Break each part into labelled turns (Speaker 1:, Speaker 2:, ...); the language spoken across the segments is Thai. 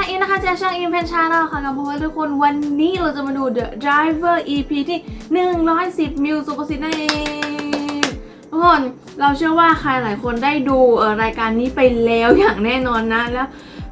Speaker 1: อินนะคะจากช่องอินเพนชาแนลค่ะกับพวกทุกคนวันนี้เราจะมาดู The Driver EP ที่110มิวสุภสิทธิ์นั่นเองทุกคนเราเชื่อว่าใครหลายคนได้ดูรายการนี้ไปแล้วอย่างแน่นอนนะแล้ว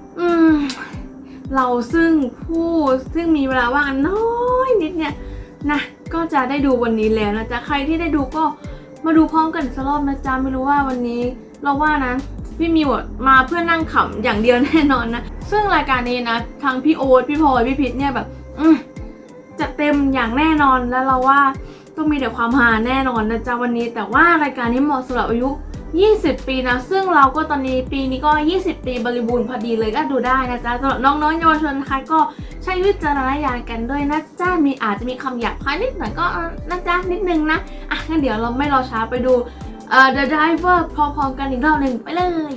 Speaker 1: เราซึ่งมีเวลาว่างน้อยนิดเนี่ยนะก็จะได้ดูวันนี้แล้วนะจ๊ะใครที่ได้ดูก็มาดูพร้อมกันอีกสักรอบนะจ๊ะไม่รู้ว่าวันนี้เราว่านะพี่มิวมาเพื่อนั่งขำอย่างเดียวแน่นอนนะซึ่งรายการนี้นะทั้งพี่โอ๊ตพี่พลอยพี่พิษเนี่ยแบบจะเต็มอย่างแน่นอนแล้วเราว่าต้องมีแต่ความฮาแน่นอนนะจ๊ะวันนี้แต่ว่ารายการนี้เหมาะสำหรับอายุ20 ปีนะซึ่งเราก็ตอนนี้ปีนี้ก็20 ปีบริบูรณ์พอดีเลยก็ดูได้นะจ๊ะสำหรับน้องๆเยาวชนนะคะก็ใช้วิจารณญาณกันด้วยนะจ๊ะอาจจะมีคำหยาบคายนิดหน่อยก็นะจ๊ะนิดนึงนะงั้นเดี๋ยวเราไม่รอช้าไปดูThe Driver พร้อมๆกันอีกรอบหนึ่งไปเลย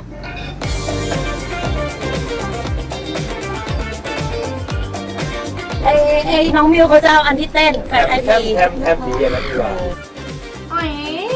Speaker 2: น้องมิวเขาจะเอาอันที่เต้นแบบไอพี
Speaker 3: แทมดีอะไรดีกว่า
Speaker 1: โอ้ย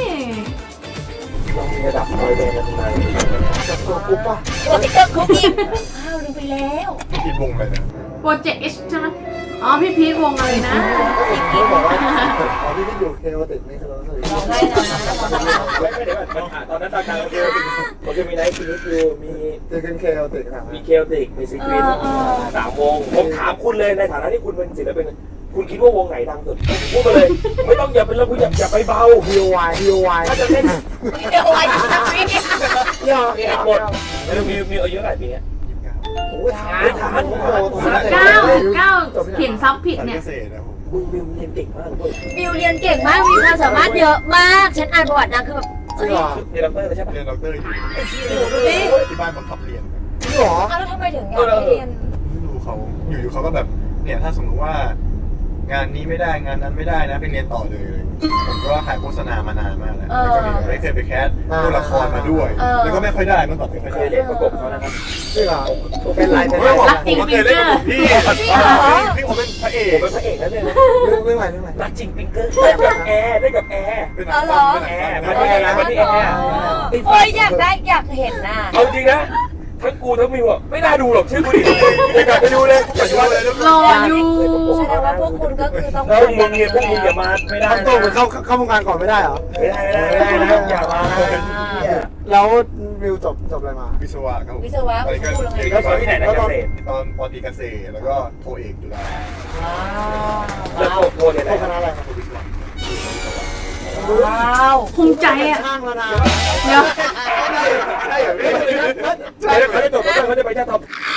Speaker 3: ต้องมีระดับร้อยเดนนะทำไมจับตัวปุ๊บป่ะ
Speaker 2: ตัวติ๊กเกอร์คุกกี้อ้าวลืมไปแล้ว
Speaker 3: กินวงเลยเนี่ย
Speaker 1: โปรเจกต์ H ใช่ไหมอ๋อพี่พีทวงอะไรนะ
Speaker 3: เขาบอกว่าพี่ที่อยู่เคโอติกนี่คือเราเลย
Speaker 2: ร้องได้นะ
Speaker 3: เดี๋ยวก่อนตอนนั้นตอนกลางโอเคมีไนท์คินิคิวมีเจอกันเคโอติกครับมีเคโอติกมีซีครีต3 วงผมถามคุณเลยในฐานะที่คุณเป็นศิลปินคุณคิดว่าวงไหนดังสุดพูดมาเลยไม่ต้องอย่าเป็นแล้วคุณอย่าไปเบา DIY ถ้าจะเล่น
Speaker 2: เดี๋ยวไว้ทำนี่
Speaker 3: หมดแล้วมีอายุเท่าไหร่ปีนี้โอ้ยทาน
Speaker 1: 9เขียนซับผิดเนี่ย
Speaker 3: มึงเรียนเก่งมากเลย
Speaker 2: มิวเรียนเก่งมากมีความสามารถเยอะมากฉันอ่านประวัตินางคือแบบ
Speaker 3: เรียนด็อกเตอร์ใช่ปะเรียนด็อกเตอร์อยู่ที่บ้านบังคับเรียนจริงเหรอ
Speaker 2: แล้วทำไมถึงอยากเรียน
Speaker 3: ไม่รู้เขาอยู่เขาก็แบบเนี่ยถ้าสมมติว่างานนี้ไม่ได้งานนั้นไม่ได้นะไปเรียนต่อเลยผมก็ถ่ายโฆษณามานานมากแล้วแล้วก็ไม่เคยไปแคสตัวละครมาด้วยแล้วก็ไม่ค่อยได้เมื่อก่อนไม่ค่อยได้เรียนประกบเขานะครับจริงเหรอเป็นไรเป็น
Speaker 1: รักจริงปิงเกอร์
Speaker 3: พี่ผมเป็นพระเอกนั่นเลยนะเรื่องอะไรรักจริงปิงเกอร์ได้กับแอร์เป็นแอร์มาที่แอร์
Speaker 2: โอ้ยอยากเห็นน่ะ
Speaker 3: เอาจริงนะทั้งกูทั้งมิวไม่น่าดูหรอกชื่อกูดิอยากไปดูเลยอยากดูเลย
Speaker 1: รออยู่
Speaker 2: แสดงว่าพวกคุณก็คือต้อง
Speaker 3: พวกมึงอย่ามาไม่ได้
Speaker 4: ต้องเข้าวงการก่อนไม่ได้เหรอ
Speaker 3: ไม่ได้นะอย่ามา
Speaker 4: แล้วมิวจบอะไรมาวิศวะครับ
Speaker 2: วิศวะ
Speaker 3: ก็ตอนที่ไหนนะเกษตรตอนปตรีเกษตรแล้วก็โทเอกจุฬาแล้วโทเนี่ยคณะอะไรครับวิศวะ
Speaker 2: ว้าว
Speaker 1: ภูมิใจอ่ะ
Speaker 4: ข้างแล้วนะ
Speaker 1: เดี๋ยว
Speaker 3: ใช่เหรอเขาได้จบเขาจะไปชาติท็อป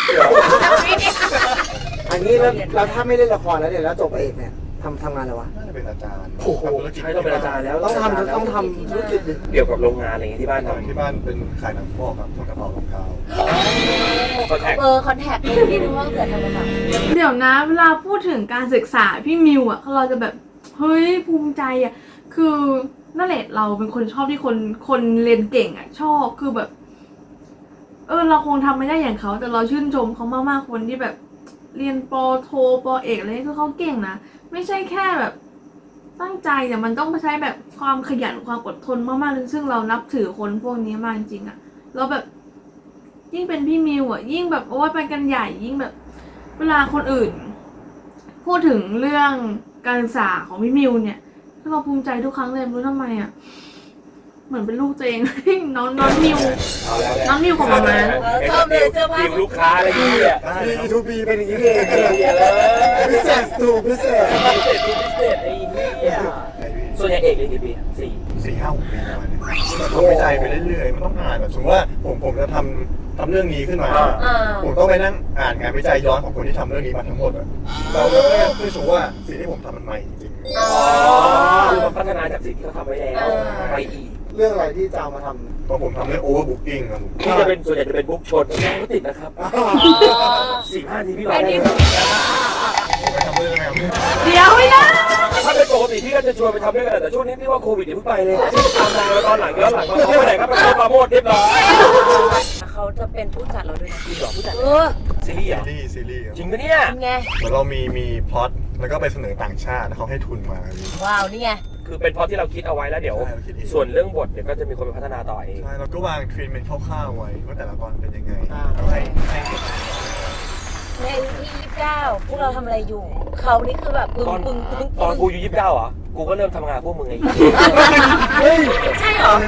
Speaker 4: อันนี้แล้วถ้าไม่เล่นละครแล้วเนี่ยแล้วจบเอกเนี่ยทำงานอะไรวะ
Speaker 3: น่าจะเป็นอาจารย์
Speaker 4: โอ้โห
Speaker 3: ใช่ต้องเป็นอาจารย์แล้ว
Speaker 4: ต้องทำธุรกิจ
Speaker 3: เกี่ยวกับโรงงานอะไรอย่างเงี้ยที่บ้านทำที่บ้านเป็นขายหนังฟอกครับทำกระเป๋ารองเท้า
Speaker 2: คอนแทคเลยที่รู้ว่าเกิดทำอะไร
Speaker 1: เดี๋ยวนะเวลาพูดถึงการศึกษาพี่มิวอ่ะเราจะแบบเฮ้ยภูมิใจอ่ะคือนั่นแหละเราเป็นคนชอบที่คนเรียนเก่งอ่ะชอบคือแบบเราคงทำไม่ได้อย่างเขาแต่เราชื่นชมเขามากๆคนที่แบบเรียนป.โทป.เอกอะไรคือเขาเก่งนะไม่ใช่แค่แบบตั้งใจแต่มันต้องใช้แบบความขยันความอดทนมากๆซึ่งเรานับถือคนพวกนี้มากจริงๆอ่ะเราแบบยิ่งเป็นพี่มิวอ่ะยิ่งแบบโอ้ยไปกันใหญ่ยิ่งแบบเวลาคนอื่นพูดถึงเรื่องการศึกษาของพี่มิวเนี่ยเราภูมิใจทุกครั้งเลยไม่รู้ทำไมอ่ะเหมือนเป็นลูกตัวเองน้องมิวของมาม่า
Speaker 2: ชอบเลยเสื้อผ้า
Speaker 3: ทีมลูกค้าอะไรอย่างเงี้ย
Speaker 4: ทูบีเป็นอย่างนี้เองพิเศษพิเศษ
Speaker 3: ไอ้เนี่ยส่วนใหญ่เอกเรียนกี่ปี4-5-6 ปีประมาณนี้ทำวิจัยไปเรื่อยๆมันต้องอ่านแบบสมมติว่าผมจะทำเรื่องนี้ขึ้นมาผมต้องไปนั่งอ่านงานวิจัยย้อนของคนที่ทำเรื่องนี้มาทั้งหมดเราก็เพื่อชัวร์ว่าสิ่งที่ผมทำมันใหม่จริงคือมันพัฒนาจากสิ่งที่เขาทำไว้แล้วไปอีก
Speaker 4: เรื่องอะไรที่จะเอามาทำ
Speaker 3: ตอนผมทำเรื่อง overbooking ครับที่จะเป็นส่วนใหญ่จะเป็นบุ๊กชนก็ติดนะครับ15 ทีพี่รอได้ไปทำเรื่องอะไร
Speaker 1: เดี๋ยวไม่ได้
Speaker 3: ถ้าเป็นปกติพี่ก็จะชวนไปทำเรื่องอะไรแต่ช่วงนี้พี่ว่าโควิดเดี๋ยวเพิ่งไปเลยตามมาตอนหลังย้อนหลังมาเขาไปไหนก็ไปเข้ามาโมดเรียบร้อย
Speaker 2: เขาจะเป็นผู้จัดเราด้วยนะ
Speaker 3: ผู้จัดซีรีส์จริงปะเนี่ย
Speaker 2: ไง
Speaker 3: เหมือนเรามีพล็อตแล้วก็ไปเสนอต่างชาติเขาให้ทุนมา
Speaker 2: ว้าวนี่ไง
Speaker 3: คือเป็นเพราะที่เราคิดเอาไว้แล้วเดี๋ยวส่วนเรื่องบทเดี๋ยวก็จะมีคนไปพัฒนาต่อเองใช่เราก็วางทรีทเมนต์คร่าวๆไว้ว่าแต่ละตอนเป็นยังไงให้
Speaker 2: 29พวกเราทำอะไรอยู่ เขานี่คือแบบปึ้ง
Speaker 5: ตอน
Speaker 2: ปึ้งปึ้ง
Speaker 5: ตอนกูอยู่29เหรอกูก็เริ่มทำงานพวกมึงไง
Speaker 4: เฮ้ย
Speaker 2: ใช่เหรอ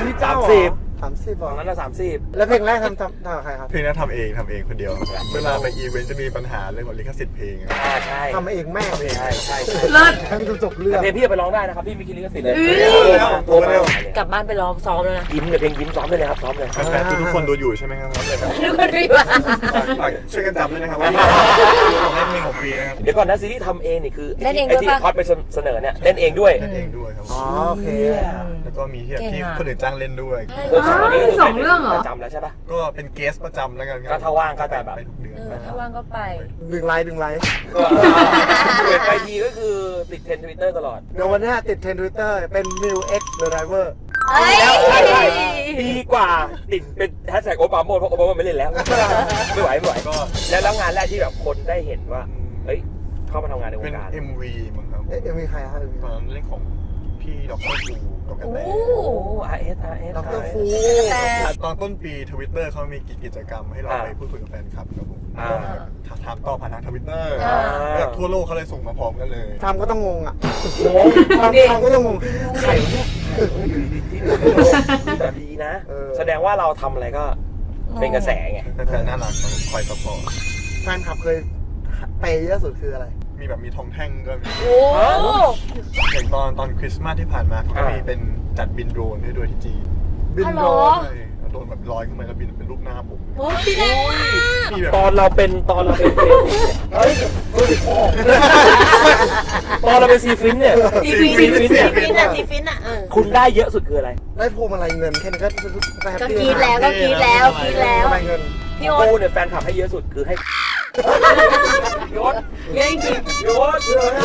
Speaker 4: 30
Speaker 5: ตอนนั้นน่ะ30
Speaker 4: แล้วเพลงแรกทำกับใครครับ
Speaker 3: เพลงนั้นทำเองคนเดียวเวลาไปอีเวนต์จะมีปัญหาเรื่องของลิขสิทธิ์เพลงอะ
Speaker 5: ใช่
Speaker 4: ทำเองแม่เอง
Speaker 5: ใช่ใช่ใช่
Speaker 1: เลิศ
Speaker 4: ให้มันจบเรื่อง
Speaker 5: เพลงพี่ไปร้องได้นะครับพี่มีคิดลิขสิทธิ์เลย
Speaker 1: เอ้ย
Speaker 5: โทรมา
Speaker 2: กลับบ้านไปร้องซ้อมแล้วนะ
Speaker 5: ยิ้มเนี่ยเพลงยิ้มซ้อมเลยนะครับซ้อมเลย
Speaker 3: แฟนๆทุกคนดูอยู่ใช่ไหมครับเลยครับ
Speaker 2: ทุกคนรีบมา
Speaker 3: ฝากช่วยกันจำด้วยนะครับว่าของเล่นเพลงของฟรีนะครับ
Speaker 5: เดี๋ยวก่อนนะซีรีส์ทำเองนี่คือ
Speaker 2: เล่นเอง
Speaker 5: ไอ้
Speaker 2: ด้วย
Speaker 5: ที่
Speaker 2: ปะ
Speaker 5: คอสไปเสนอเนี่ยเล่นเองด้วย
Speaker 3: เล่นเองด้วยครับ
Speaker 4: อ๋อโอเค
Speaker 3: แล้วก็มีที่แบบที่
Speaker 2: เก่งอะ
Speaker 3: คนอื่นจ้างเล่นด้วย
Speaker 1: มีสองเรื่องเหรอ
Speaker 5: ประจำแล้วใช่ปะ
Speaker 3: ก็เป็นเกสประจำแล้วกันครั
Speaker 5: ก็ถ้าว่างก็จะแบบ
Speaker 3: ไปทุกเดือน
Speaker 2: ถ้าว่างก็ไป
Speaker 4: ดึงไลน์
Speaker 5: ก็เปิดไปทีก็คือติดเทรนด์ Twitter ตลอด
Speaker 4: เดี๋ยววันนี้ติดเทรนด์ทวิตเตอร์เป็น New X The Driver
Speaker 2: เอ้ย
Speaker 5: ดีกว่าติดเป็นแฮชแท็กโอบามาเพราะโอบามาไม่เล่นแล้ว ไม่ไหวก็แล้วงานแรกที่แบบคนได้เห็นว่าเฮ้ยเข้ามาทำงานในว
Speaker 3: เป็น
Speaker 5: งการ
Speaker 3: MV มั้งครับ
Speaker 4: เอ็มวีใครครับ
Speaker 3: ตอนนั้นเล่นของพี่ดรฟูกับกระแต
Speaker 2: โอ้
Speaker 5: RS
Speaker 4: ดรฟู
Speaker 3: ตอนต้นปีทวิตเตอร์เขามีกิจกรรมให้เราไปพูดคุยกับแฟนคลับครับผม
Speaker 5: อ่า
Speaker 3: ถามตอบผ่านทางทวิตเตอร์
Speaker 2: อ่า
Speaker 3: แบบทั่วโลกเขาเลยส่งมาพร้อมกันเลย
Speaker 4: ทำก็ต้องงงอ่ะ
Speaker 5: โอ้
Speaker 4: ทำก็ต้องงงใครเนี่ย
Speaker 5: อยู่ดีๆที่แต่ดีนะ
Speaker 4: เออ
Speaker 5: แสดงว่าเราทำอะไรก็เป็นกระแสไง
Speaker 3: แฟนๆน่ารักครับคอยซัพพอร์ต
Speaker 4: แฟนคลับเคยเปย์เยอะสุดคืออะไร
Speaker 3: มีแบบมีทองแท่งก็มี
Speaker 2: โอ้
Speaker 3: อย่างตอนคริสต์มาสที่ผ่านมาเขาก็มีเป็นจัดบินโดรนให้ด้วยที่จีน
Speaker 4: บิน
Speaker 2: ฮัลโห
Speaker 4: โด
Speaker 2: ล
Speaker 4: รน
Speaker 3: ใช่โดรนแบบลอยขึ้นมาแล้วบินเป็นรูปหน้าผม
Speaker 2: โหพี่แดงมาก
Speaker 3: มีแบบ
Speaker 5: ตอนเราเป็นเพลงเฮ้ยรู้สึกพ่อตอนเราเป็นซีฟินเนี่ย
Speaker 2: ซีฟิน
Speaker 5: ซีฟินเนี่ย
Speaker 2: ซีฟินอ่ะ
Speaker 5: คุณได้เยอะสุดคืออะไร
Speaker 4: ได้พวงมาลัยเงินแค่นี้ก็แฮป
Speaker 2: ก็
Speaker 4: ปี้
Speaker 2: กรีดแล้วก็กรีดแล้วกรีดแล้ว
Speaker 4: พวงมาลัยเงิน
Speaker 2: พี่โอ๊ต
Speaker 5: กูเนี่ยแฟนคลับให้เยอะสุดคือให้ยศ
Speaker 2: เรื่องจริง
Speaker 5: ยศ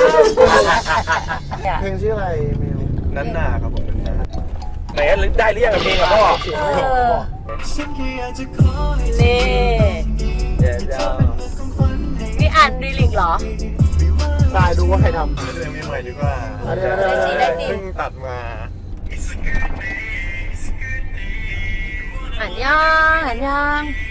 Speaker 4: เพลงชื่ออะไรมิว
Speaker 3: นั้นนาครับผมนั้นนา
Speaker 5: ไหนได้เรียกกับเพลงกับพ่อ
Speaker 2: นี่พี่อ่านดีลิกเหรอ
Speaker 4: ใช่ดูว่าใครท
Speaker 3: เรื่องนี้ใหม่ดีกว่า
Speaker 2: ได้สิได้สิ
Speaker 3: เพิ่งตัดมา
Speaker 2: อ่านยัง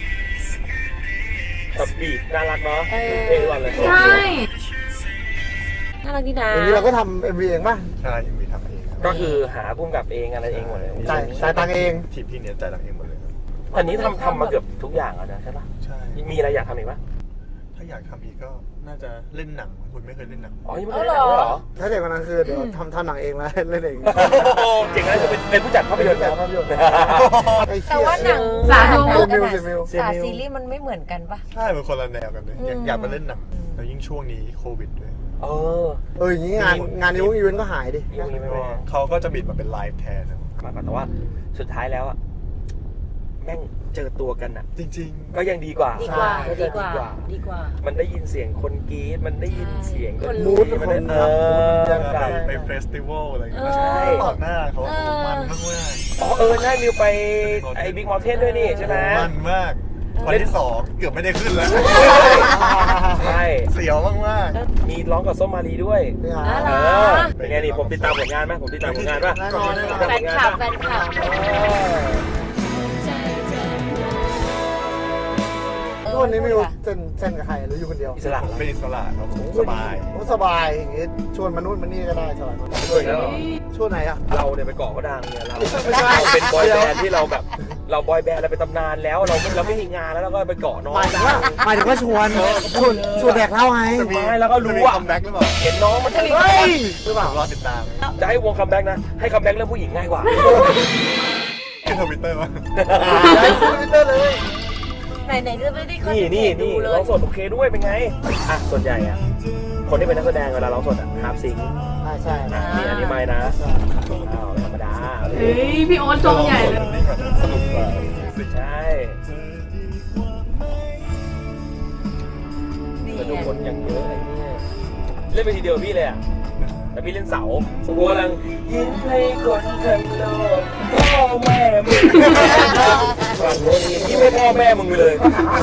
Speaker 5: กับบีทน่ารักเนาะ
Speaker 2: เออ
Speaker 5: เพลงวันเลย
Speaker 1: ใช่
Speaker 2: น่ารักดีนะ
Speaker 4: ำอย่างนี้เราก็ทำ MV เองป่ะ
Speaker 3: ใช่ยังมีทำเองครับ
Speaker 5: ก็คือหาพุ่มกับเองอะไรเองหมดเลย
Speaker 4: จ่ายตังค์เอง
Speaker 3: ทีมพี่เนี่ยจ่ายตังค์เองหมดเลยครับ
Speaker 5: อันนี้ทำมาเกือบทุกอย่างแล้วนะใช่ปะ
Speaker 3: ใช่
Speaker 5: มีอะไรอยากทำอีกปะ
Speaker 3: ถ้าอยากทำอีกก็น่าจะเล่นหนังคุณไม่เคยเล่นหนัง
Speaker 5: อ๋อยังไม่ได้ได้เหรอ
Speaker 4: ถ้าเด็กวันนั้นคือเดี๋ยวทำหนังเองแล้วเล่นเอง
Speaker 5: เก่งนะจะเป็นผู้จัดภาพยนตร์
Speaker 4: แต่
Speaker 5: แล้ว
Speaker 4: ภาพยนตร์
Speaker 2: แต่ว่าหนัง
Speaker 1: สาธุ
Speaker 2: สาซีรีส์มันไม่เหมือนกันปะ
Speaker 3: ใช่เป็นคนละแนวกันเลยอยากมาเล่นหนังแล้วยิ่งช่วงนี้โควิดด้วย
Speaker 5: เออ
Speaker 4: อย่างนี้งานอีเวนต์ก็หายดิ
Speaker 5: ยังไม่
Speaker 3: ก็เขาก็จะบิดมาเป็นไลฟ์แทนนะครับ
Speaker 5: มาแต่ว่าสุดท้ายแล้วอะแม่งเจอตัวกันอะ
Speaker 3: จริง
Speaker 5: ก็ยังดีกว่า
Speaker 2: ดีกว่า
Speaker 5: ใช่
Speaker 2: ดีกว่าดีกว่า
Speaker 5: มันได้ยินเสียงคนกรี๊ดมันได้ยินเสียง
Speaker 2: คน
Speaker 4: มูด
Speaker 5: มัน
Speaker 4: ค
Speaker 5: ได้
Speaker 4: น
Speaker 5: เอ
Speaker 4: รัก
Speaker 3: ๆ
Speaker 5: อ
Speaker 3: ไปไปเฟสติวัลอะไรอย่างเงี้ย
Speaker 2: ใช่
Speaker 3: ต่อหน้าเขามันมาก
Speaker 5: อ๋อใช่มิวไปไอ้บิ๊กมอลเทนด้วยนี่ใช่ไหม
Speaker 3: มันมากวันที่2เกือบไม่ได้ขึ้นแล้ว
Speaker 5: ใช่
Speaker 3: เสียวมาก
Speaker 5: มีร้องกับส้มมารีด้วย
Speaker 4: นี่ฮะ
Speaker 2: อ๋อ
Speaker 5: เออเป็นไงนี่ผมติดตามผลงานไหมผมติดตามผลงานป่ะ
Speaker 4: แน่นอนแน่นอน
Speaker 2: แฟนคลับแฟนคลับ
Speaker 4: ทุกวันนี้มิวเซ็นกับใครหรืออยู่คนเดียว
Speaker 5: อิสระ
Speaker 3: ผมเป็นอิสระครับผมสบาย
Speaker 4: สบายอย่างงี้ชวนมานู่นมานี่ก็ได้สบาย
Speaker 5: ด้วยแล้วเหรอ
Speaker 4: ชวนไหนอ่ะ
Speaker 5: เราเนี่ยไปเกาะก็ดังเนี่ยเรา
Speaker 4: ไม่ใช่
Speaker 5: เป็นบอยแบนด์ที่เราแบบเราบอยแบนด์เราเป็นตำนานแล้วเราไม่มีงานแล้วเราก็ไปเกาะน้อง
Speaker 4: หมายถึงว่าชวนแดกเหล้าไง
Speaker 3: จะมี
Speaker 5: ไม่แล้วก็รู้
Speaker 3: จะมี
Speaker 5: ว่า
Speaker 3: คัมแบ็กหรือเปล่า
Speaker 5: เห็นน้องมันจะ
Speaker 4: เฮ้ยหรือเปล่าร
Speaker 3: อติดตาม
Speaker 5: จะให้วงคัมแบ็กนะให้คัมแบ็กเรื่องผู้หญิงง่ายกว่า
Speaker 3: ขึ้นทวิตเตอร์มา
Speaker 4: ได้ทวิตเตอร์เลย
Speaker 2: ไหนจะไม่ได้คอน
Speaker 5: นี่
Speaker 2: เทนต์ดูเล
Speaker 5: ร้อย งสดโอเคด้วยเป็นไงอ่ะส่วนใหญ่อ่ะคนที่เป็นนักแสดงเวลาร้องสดอ่ะฮาร์ปซิงค์
Speaker 4: ใช่
Speaker 5: นี่อันนี้ไม่นะอ้าวธรรมดา
Speaker 1: เฮ้ยพี่โอ๊ตชมใหญ่เลย
Speaker 3: นี่ก็สนุกกว่า
Speaker 5: ใช่
Speaker 2: นี่
Speaker 5: กระดู
Speaker 2: ไง
Speaker 5: คนอย่างเยอะไอ้เนี่ยเล่นไปทีเดียวพี่เลยอ่ะแต่พี่เล่นเสากูกำลังยิ้มให้คนทั้งโลกพ่อแม่มึงฝั่งโน้นยิ้มให้พ่อแม่มึงเลย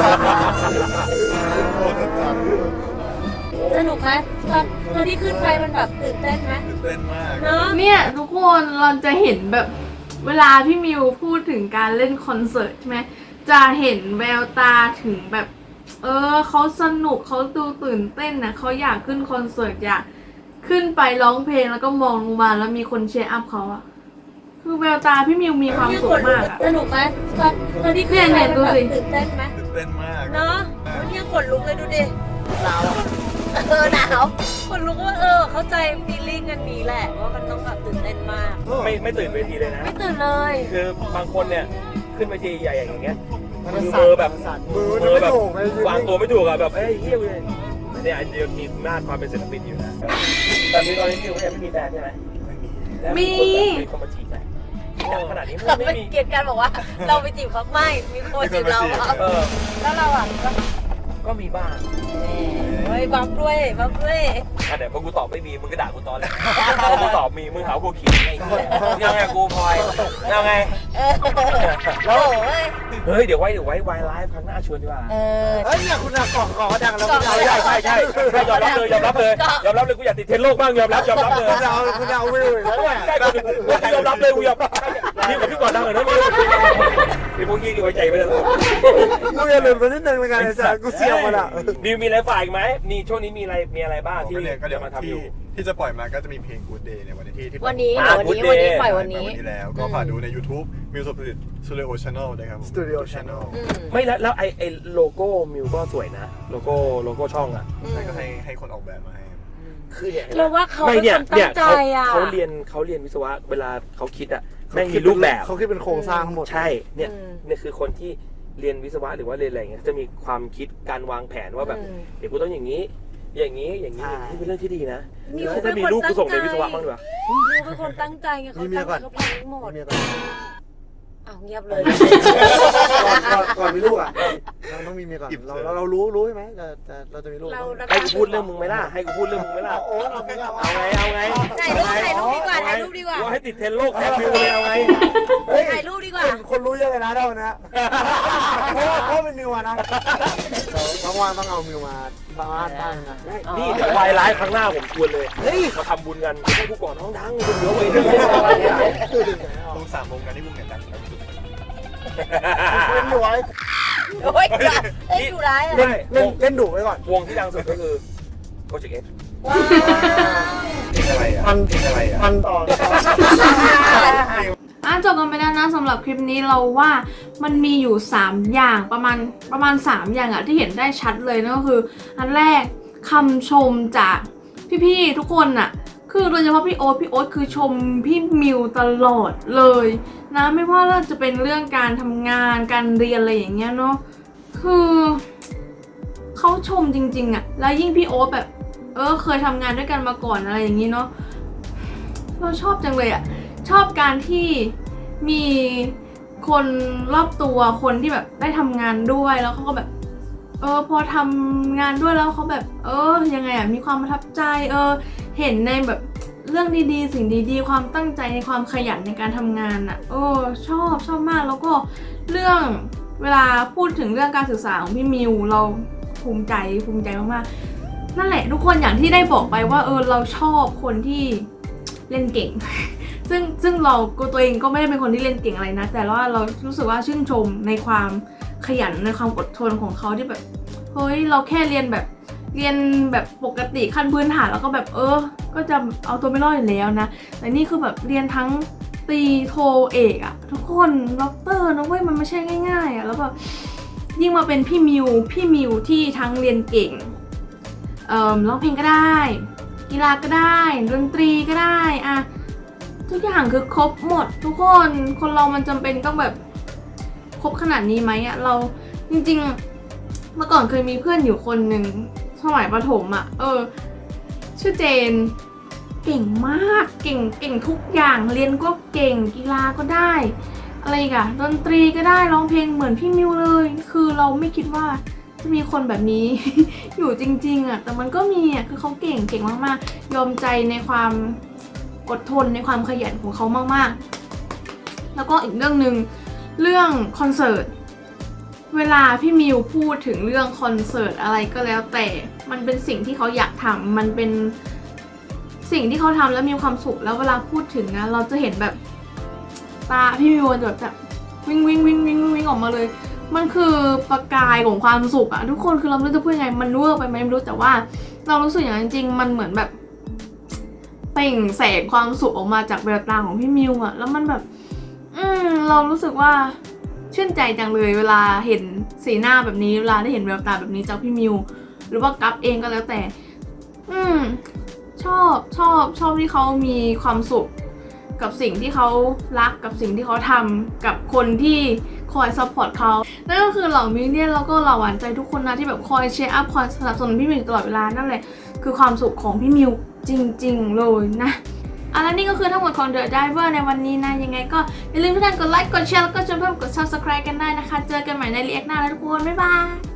Speaker 3: โคตรจัด
Speaker 2: สนุกไหมตอนที่ขึ้นไปมันแบบตื่นเต้นไหม
Speaker 3: ตื่นเต้นมาก
Speaker 2: เนอะ
Speaker 1: เนี่ยทุกคนเราจะเห็นแบบเวลาพี่มิวพูดถึงการเล่นคอนเสิร์ตใช่ไหมจะเห็นแววตาถึงแบบเขาสนุกเขาดูตื่นเต้นนะเขาอยากขึ้นคอนเสิร์ตอยากขึ้นไปร้องเพลงแล้วก็มองลงมาแล้วมีคนเชียร์อัพเขาอะคือแววตาพี่มิวมีความสุขมากอะ
Speaker 2: สนุกไหมตอนที่ขึ้นไป
Speaker 1: เนี่ย
Speaker 2: มัน
Speaker 1: ดู
Speaker 2: แบบ
Speaker 1: สิ
Speaker 2: ตื่นเต้นไหม
Speaker 3: ตื่นเต้นมาก
Speaker 2: เนาะวันนี้ขนลุกเลยดูดิหนาวหนาวขนลุกว่าเข้าใจฟีลลิ่งกันนี้แหละว่ามันต้องแบบตื่นเต้นมาก
Speaker 5: ไม่ตื่นเวทีเลยนะ
Speaker 2: ไม่ตื่นเลย
Speaker 5: คือบางคนเนี่ยขึ้นเวทีใหญ่อย่างเงี้ย
Speaker 4: มัน
Speaker 5: มือ
Speaker 4: สั่น
Speaker 5: เบอร์แบบ
Speaker 4: สั่นมือ
Speaker 5: มือ
Speaker 4: ไม่
Speaker 5: แบบ
Speaker 4: ถูกเลยว
Speaker 5: างตัวไม่ถูกอะแบบเฮ้ยเฮี้ยเลยเนี่ยเดี๋ยวมีหน้าความเป็นศิลปินอยู่นะแต่มีตอนนี้คิวยังไม่มีแฟนใช่ไหม
Speaker 1: มี
Speaker 5: มีคนมาจีบไหมขนาดนี้
Speaker 2: เรา
Speaker 5: ไม่
Speaker 2: ไม่
Speaker 5: มี
Speaker 2: เกลียดกันบอกว่า เราไปจีบเขาไม่มีคนจีบเราอะ
Speaker 5: เออ
Speaker 2: แล้วเราอ่ะก็
Speaker 5: ก็มีบ้าง
Speaker 2: เฮ้ยบัฟด้วยบัฟด้วย
Speaker 5: อ่ะเดี๋ยวพอกูตอบไม่มีมึงก็ด่ากูตอนแหละพอกูตอบมีมึงหากูขิงไงยังไงกูพลอยยังไง
Speaker 2: โอ้ย
Speaker 5: เฮ้ยเดี๋ยวไว้วายไลฟ์ครั้งหน้าชวนดีกว่า
Speaker 2: เออ
Speaker 4: เฮ้ยเนี่ยคุณอะกล่องขอดังแล้วคุณ
Speaker 5: ใช่
Speaker 4: เอา
Speaker 5: ใช่ใช่ใช่ยอมรับเลยกูอยากติดเทรนด์โลกบ้างยอมรับเลย
Speaker 4: คุณเอาวิวอีกแล้วเนี่ย
Speaker 5: ใช่กูยอมรับเลยกูยอมรับพี่กับพี่ก่อนดังเลยนะพี่พวกยี่ดีไว้ใจไปเลย
Speaker 4: กูอย่าลืมไปนิดนึงในการไอ้สัสกูเสียบมันอะ
Speaker 5: นิวมีอะไรฝ่ายอีกไหมมีช่วงนี้มีอะไรบ้างที่
Speaker 3: ก็เดี๋ยว
Speaker 5: มาทำอยู่
Speaker 3: ที่จะปล่อยมาก็จะมีเพลง Good Day ในวันที่
Speaker 2: วันนี้
Speaker 5: อ่า
Speaker 2: วันนี้
Speaker 5: Good Day
Speaker 2: ปล่อยวันนี้
Speaker 3: แล้วก็ฝากดูใน YouTube Music Studio Channel นะครับ
Speaker 4: Studio Channel
Speaker 5: ไม่แล้วไอโลโก้มิวก็สวยนะโลโก้ช่องอ่ะ
Speaker 3: ก็ให้คนออกแบบมาให้
Speaker 5: คือเนี่ย
Speaker 2: เราว่าเขาเป็นคนตั้งใจอ่ะ
Speaker 5: เขาเรียนวิศวะเวลาเขาคิดอ่ะแม่งมีรูปแบบ
Speaker 4: เขาคิดเป็นโครงสร้างทั้งหมด
Speaker 5: ใช่เนี่ยคือคนที่เรียนวิศวะหรือว่าเรียนอะไรเงี้ยจะมีความคิดการวางแผนว่าแบบเดี๋ยวกูต้องอย่างนี้นี่เป็นเรื่องที่ดีนะถ้ามีลูกกูส่งเรียนวิศวะบ้างดีกว่า
Speaker 2: มิวเป็นคนตั้งใจไงเขาตั้งใจเขาแพลนหมด
Speaker 4: เมียก่อน
Speaker 2: อ้าวเงียบเลย
Speaker 4: ก่อนมีลูกอะเราต้องมีเมียก่อนเรารู้ใช่ไหมเราจะมีลูก
Speaker 5: ให้กูพูดเรื่องมึงไหมล่ะให้กูพูดเรื่องมึงไหมล่ะ
Speaker 4: โอ้เราไม่เอา
Speaker 5: เอาไง
Speaker 2: ถ่ายรูปดีกว่าถ่ายรูปดีกว่า
Speaker 5: ว่าให้ติดเทรนด์โลกแทนมิวเลยเอาไง
Speaker 2: ถ่ายรูปดีกว่า
Speaker 4: คนรู้เยอะเลยนะเท่านี้เพราะเป็นมิวนะต้องว่างต้องเอามิวมาบ้านตั้งนะ
Speaker 5: นี่เดี๋ยววายไลฟ์ครั้งหน้าผมชวนเลยมาทำบุญกันให้กูก่อนน้องดังคนเยอะเลย
Speaker 3: ตรง3 วงกันที่วงไหนดังครับ
Speaker 4: เล่นอยู่ไว้
Speaker 2: โอ้ยเอ้ยอยู่ร้ายอ่ะ
Speaker 4: เล่นดุไว้ก่อน
Speaker 5: วงที่ดังสุดก็คือโปรเจกต์เอ็ก
Speaker 2: ว้าว
Speaker 3: เพลงอะไรอ่ะเพลงอะไรอ่ะ
Speaker 4: พันต่อ
Speaker 1: จบกันไปแล้วนะสำหรับคลิปนี้เราว่ามันมีอยู่3อย่างประมาณ3อย่างอะที่เห็นได้ชัดเลยนั่นก็คืออันแรกคำชมจากพี่ๆทุกคนอะคือโดยเฉพาะพี่โอ๊ตคือชมพี่มิวตลอดเลยนะไม่ว่าเราจะเป็นเรื่องการทำงานการเรียนอะไรอย่างเงี้ยเนาะคือเขาชมจริงๆอะแล้วยิ่งพี่โอ๊ตแบบเคยทำงานด้วยกันมาก่อนอะไรอย่างงี้เนาะเราชอบจังเลยอะชอบการที่มีคนรอบตัวคนที่แบบได้ทำงานด้วยแล้วเขาก็แบบพอทำงานด้วยแล้วเขาแบบยังไงอ่ะมีความประทับใจเห็นในแบบเรื่องดีๆสิ่งดีๆความตั้งใจในความขยันในการทำงานอ่ะชอบมากแล้วก็เรื่องเวลาพูดถึงเรื่องการศึกษาของพี่มิวเราภูมิใจมากๆนั่นแหละทุกคนอย่างที่ได้บอกไปว่าเราชอบคนที่เล่นเก่ง ซึ่งเราตัวเองก็ไม่ได้เป็นคนที่เล่นเก่งอะไรนะแต่ว่าเรารู้สึกว่าชื่นชมในความขยันในความอดทนของเขาที่แบบเฮ้ยเราแค่เรียนแบบปกติขั้นพื้นฐานแล้วก็แบบก็จะเอาตัวไม่รอดอยู่แล้วนะแต่นี่คือแบบเรียนทั้งตีโทเอกอะทุกคนด็อกเตอร์นะเว้ยมันไม่ใช่ง่ายๆอะแล้วแบบยิ่งมาเป็นพี่มิวที่ทั้งเรียนเก่งร้องเพลงก็ได้กีฬาก็ได้ดนตรีก็ได้อะทุกอย่างคือครบหมดทุกคนเรามันจำเป็นต้องแบบครบขนาดนี้ไหมอะเราจริงๆเมื่อก่อนเคยมีเพื่อนอยู่คนหนึ่งสมัยประถมอะชื่อเจนเก่งมากเก่งทุกอย่างเรียนก็เก่งกีฬาก็ได้อะไรอีกันดนตรีก็ได้ร้องเพลงเหมือนพี่มิวเลยคือเราไม่คิดว่าจะมีคนแบบนี้ อยู่จริงๆอะแต่มันก็มีอะคือเขาเก่งมากๆยอมใจในความอดทนในความขยันของเขามากๆแล้วก็อีกเรื่องหนึ่งเรื่องคอนเสิร์ตเวลาพี่มิวพูดถึงเรื่องคอนเสิร์ตอะไรก็แล้วแต่มันเป็นสิ่งที่เขาอยากทำมันเป็นสิ่งที่เขาทำแล้วมีความสุขแล้วเวลาพูดถึงนะเราจะเห็นแบบตาพี่มิวแบบวิ่งออกมาเลยมันคือประกายของความสุขอะทุกคนคือเราไม่รู้จะพูดยังไงมันเวอร์ไปไหมไม่รู้แต่ว่าเรารู้สึกอย่างนั้นจริงๆมันเหมือนแบบเปล่งแสงความสุขออกมาจากแววตาของพี่มิวอะแล้วมันแบบเรารู้สึกว่าชื่นใจจังเลยเวลาเห็นสีหน้าแบบนี้เวลาได้เห็นแววตาแบบนี้จากพี่มิวหรือว่ากัฟเองก็แล้วแต่ชอบที่เขามีความสุขกับสิ่งที่เขารักกับสิ่งที่เขาทำกับคนที่คอยซัพพอร์ตเขานั่นก็คือเหล่ามิวเนี่ยแล้วก็เหล่าหวานใจทุกคนนะที่แบบคอยเชียร์อัพคอยสนับสนุนพี่มิวตลอดเวลานั่นแหละคือความสุขของพี่มิวจริงๆเลยนะแล้วนี่ก็คือทั้งหมดของ The Diver ในวันนี้นะยังไงก็อย่าลืมทุกท่านกดไลค์กดแชร์แล้วก็ชวนเพื่อนกด Subscribe กันได้นะคะเจอกันใหม่ในรีแอคหน้าแล้วทุกคนบ๊ายบาย